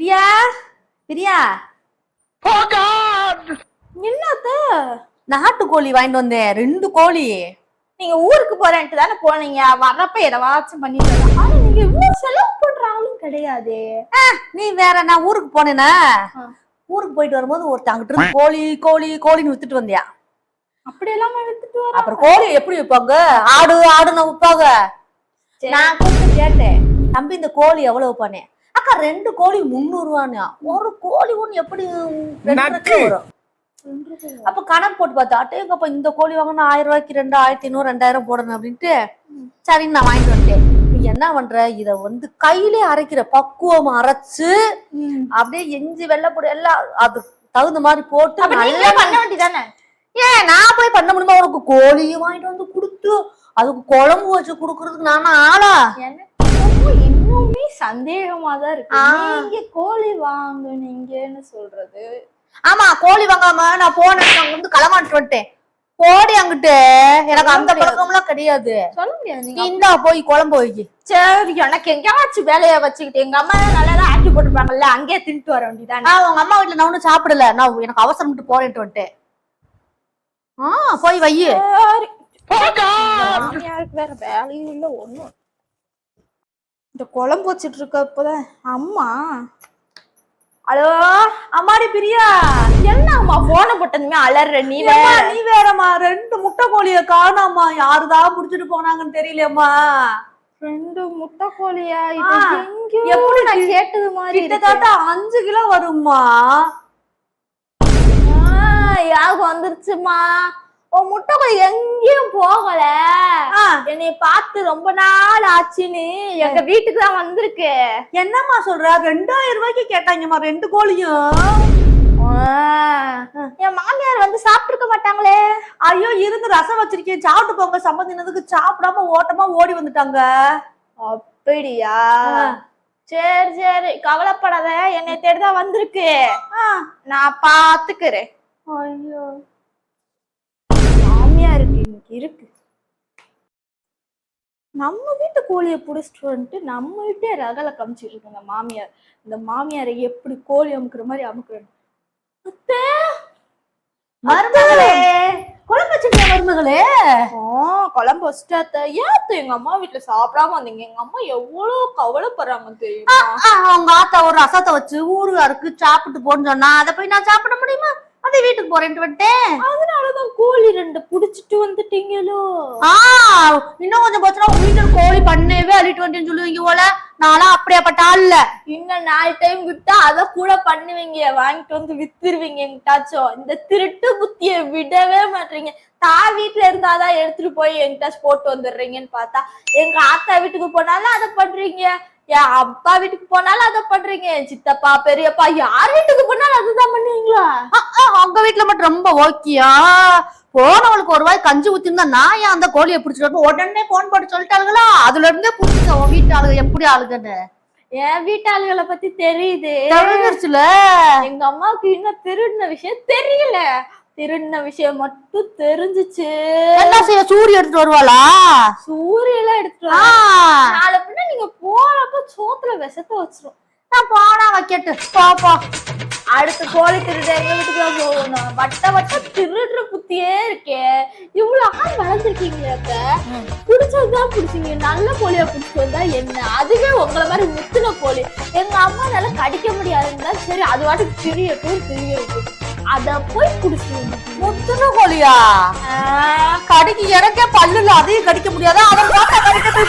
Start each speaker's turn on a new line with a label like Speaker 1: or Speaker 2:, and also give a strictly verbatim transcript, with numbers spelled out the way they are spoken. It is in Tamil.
Speaker 1: Priya Priya
Speaker 2: Oh God!
Speaker 1: என்னத்த
Speaker 3: நாட்டுக்கோழி வாங்கிட்டு வந்தேன், ரெண்டு கோழி.
Speaker 1: நீங்க ஊருக்கு போறேன்ட்டு தானே போனீங்க, வர்றப்ப எதவாச்சும் பண்ணிட்டு வரலாம். ஆனா நீங்க இவ்வளவு செலவு பண்ற ஆளும் கிடையாது.
Speaker 3: நீ வேற, நான் ஊருக்கு போனேனா, ஊருக்கு போயிட்டு வரும்போது ஒருத்தன் அங்கிட்டு இருந்து கோழி கோழி கோழின்னு வித்துட்டு வந்தியா.
Speaker 1: அப்படி எல்லாம் வித்துட்டு வர
Speaker 3: அப்புறம் கோழி எப்படி விற்பாங்க? ஆடு ஆடுன்னு விற்பாங்க. நான் கூப்பிட்டு கேட்டேன், தம்பி இந்த கோழி எவ்வளவு பண்ணேன்? அக்கா ரெண்டு கோழி முந்நூறு ரூபான்னு. ஒரு கோழி ஒண்ணு எப்படி வரும்? அப்ப கணக்கு போட்டு பார்த்தா, அட்டேங்கப்ப இந்த கோழி வாங்கினா ஆயிரம் ரூபாய்க்கு ரெண்டு ஆயிரத்தி ஐநூறு ரெண்டாயிரம் போடணும் அப்படின்ட்டு சரின்னு நான் வாங்கிட்டு வந்துட்டேன். நீ என்ன பண்ற, இத வந்து கையிலே அரைக்கிற, பக்குவம் அரைச்சு அப்படியே எஞ்சி வெள்ளைப்பொடி எல்லாம் அது தகுந்த மாதிரி போட்டு நல்லா
Speaker 1: பண்ண வேண்டியதானே.
Speaker 3: ஏன் நான் போய் பண்ண முடியுமா? உனக்கு கோழியும் வாங்கிட்டு வந்து கொடுத்து அதுக்கு குழம்பு வச்சு குடுக்கறதுக்கு நானும் ஆளா?
Speaker 1: எனக்கு இன்னுமே சந்தேகமா தான் இருக்கு. நீங்க கோழி வாங்குனீங்கன்னு சொல்றது.
Speaker 3: ஆமா, கோழி வாங்காம நான் போனேன், அங்க வந்து களமாட்டு வந்துட்டேன். கோழி அங்கிட்டு எனக்கு அந்த பழக்கம் எல்லாம் கிடையாது.
Speaker 1: சொல்ல முடியாது.
Speaker 3: நீ இந்தா போய் குழம்பு வைக்கி.
Speaker 1: சரி, எனக்கு எங்கேயாச்சும் வேலையை வச்சுக்கிட்டு எங்க அம்மா நல்லா ஆக்கி போட்டுருப்பாங்கல்ல, அங்கேயே தின்ட்டு வர வேண்டியதானே.
Speaker 3: ஆஹ் உங்க அம்மா வீட்டுல நான் ஒன்னும் சாப்பிடல, நான் எனக்கு அவசரம் போறேன்ட்டு வந்துட்டேன். ஆஹ் போய் வை.
Speaker 1: யாருக்கு வேற வேலையும் இல்ல ஒண்ணும். இந்த குழம்பு வச்சிட்டு இருக்கப்பதான் அம்மா.
Speaker 3: ஹலோ அம்மாடி பிரியா,
Speaker 1: என்ன அம்மா போன போட்டதுமே அலற? நீ வேற
Speaker 3: நீ வேறம்மா, ரெண்டு முட்டை கோழிய காணாமா, யாருதான் புடிச்சிட்டு போனாங்கன்னு தெரியலையம்மா.
Speaker 1: ரெண்டு முட்டை கோழியா? எப்படி நான் கேட்டது மாதிரி
Speaker 3: கிட்டத்தட்ட அஞ்சு கிலோ வரும்மா.
Speaker 1: யாருக்கு வந்துருச்சுமா? உன் முட்டை கோழி எங்கேயும் போகல, என்னை பார்த்து ரொம்ப நாள் ஆச்சுன்னு எங்க வீட்டுக்கு தான் வந்திருக்கு.
Speaker 3: என்னம்மா சொல்ற? ரெண்டாயிரம் ரூபாய்க்கு கேட்டாங்கம்மா ரெண்டு கோழியும்.
Speaker 1: என் மாமியார் வந்து சாப்பிட்டு இருக்க மாட்டாங்களே.
Speaker 3: ஐயோ, இருந்து ரசம் வச்சிருக்கேன், சாப்பிட்டு போங்க. சம்பந்தினதுக்கு சாப்பிடாம ஓட்டமா ஓடி வந்துட்டாங்க.
Speaker 1: அப்படியா? சரி சரி, கவலைப்படாத, என்னை தேடிதான் வந்திருக்கு, நான் பாத்துக்கிறேன்.
Speaker 3: ஐயோ,
Speaker 1: மாமியாருக்கு இன்னைக்கு இருக்கு. நம்ம வீட்டு கோழியை புடிச்சிட்டு வந்துட்டு நம்ம வீட்டே ரகலை காமிச்சிட்டு இருக்கு இந்த மாமியார். இந்த மாமியாரை எப்படி கோழி அமுக்குற மாதிரி அமுக்குறேன்.
Speaker 3: மருமகளே, குழம்பு வச்சிருக்க மருமகளே.
Speaker 1: குழம்பு வச்சுட்டாத்த. ஏத்த எங்க அம்மா வீட்டுல சாப்பிடாம வந்தீங்க? எங்க அம்மா எவ்வளவு கவலைப்படுறாங்க தெரியுமா?
Speaker 3: அவங்க ஆத்தா ஒரு ரசத்தை வச்சு ஊருகாருக்கு சாப்பிட்டு போன்னு சொன்னா, அதை போய் நான் சாப்பிட முடியுமா? அதே வீட்டுக்கு போறேன்ட்டு வந்துட்டேன்.
Speaker 1: அதனாலதான் கோழி ரெண்டு புடிச்சிட்டு வந்துட்டீங்களோ?
Speaker 3: ஆஹ் இன்னும் கொஞ்சம் போச்சுன்னா உங்க வீட்டுல கோழி பண்ணவே அள்ளிட்டு வந்துட்டேன்னு சொல்லுவீங்க போல. நான்லாம் அப்படியாப்பட்ட ஆள் இல்ல.
Speaker 1: இன்னும் நாலு டைம் விட்டா அதை கூட பண்ணுவீங்க, வாங்கிட்டு வந்து வித்துருவீங்க எங்கிட்டாச்சும். இந்த திருட்டு புத்திய விடவே மாட்டீங்க. தான் வீட்டுல இருந்தாதான் எடுத்துட்டு போய் எங்கிட்டாச்சும் போட்டு வந்துடுறீங்கன்னு பார்த்தா, எங்க ஆத்தா வீட்டுக்கு போனாலும் அதை பண்றீங்க, என் அப்பா வீட்டுக்கு போனாலும் அதை பண்றீங்க, சித்தப்பா பெரியப்பா யார் வீட்டுக்கு போனாலும் அதுதான் பண்ணுவீங்களா?
Speaker 3: அவங்க வீட்டுல மட்டும் ரொம்ப ஓக்கியா? போனவளுக்கு ஒரு வாய் கஞ்சி ஊத்திருந்தா நான் ஏன் அந்த கோழியை பிடிச்சிட்டு உடனே போன் போட்டு சொல்லிட்டாளுங்களா? அதுல இருந்தே புரிஞ்சுக்க உன் வீட்டு ஆளுங்க எப்படி ஆளுங்கன்னு.
Speaker 1: என் வீட்டு ஆளுகளை பத்தி தெரியுது,
Speaker 3: தெரிஞ்சிருச்சுல.
Speaker 1: எங்க அம்மாவுக்கு இன்னும் திருடின விஷயம் தெரியல, திருடின விஷயம் மட்டும் தெரிஞ்சிச்சு.
Speaker 3: என்ன செய்ய, சூரிய எடுத்துட்டு வருவாளா?
Speaker 1: சூரியெல்லாம் எடுத்துட்டு நாளை பின்ன நீங்க போறப்ப சோத்துல விஷத்தை வச்சிரும்.
Speaker 3: நான் போனா வைக்கட்டு பாப்பா.
Speaker 1: அடுத்த கோழி திருட எங்க வீட்டுக்கு தான் போகணும். வட்ட வட்ட திருடுற புத்தியே இருக்கே. இவ்வளவு ஆள் வளர்ந்துருக்கீங்க, புடிச்சதுதான் புடிச்சீங்க. நல்ல கோழியா புடிச்சிட்டு வந்தா என்ன? அதுவே உங்களை மாதிரி முத்துன கோழி எங்க அம்மானால கடிக்க முடியாதுன்னா சரி, அது வாட்டுக்கு திரியட்டும் திரியட்டும், அத போய் புடிச்சு.
Speaker 3: முத்துன கோழியா? கடிக்க எனக்கே பல்லுல, அதையும் கடிக்க முடியாதா? அதை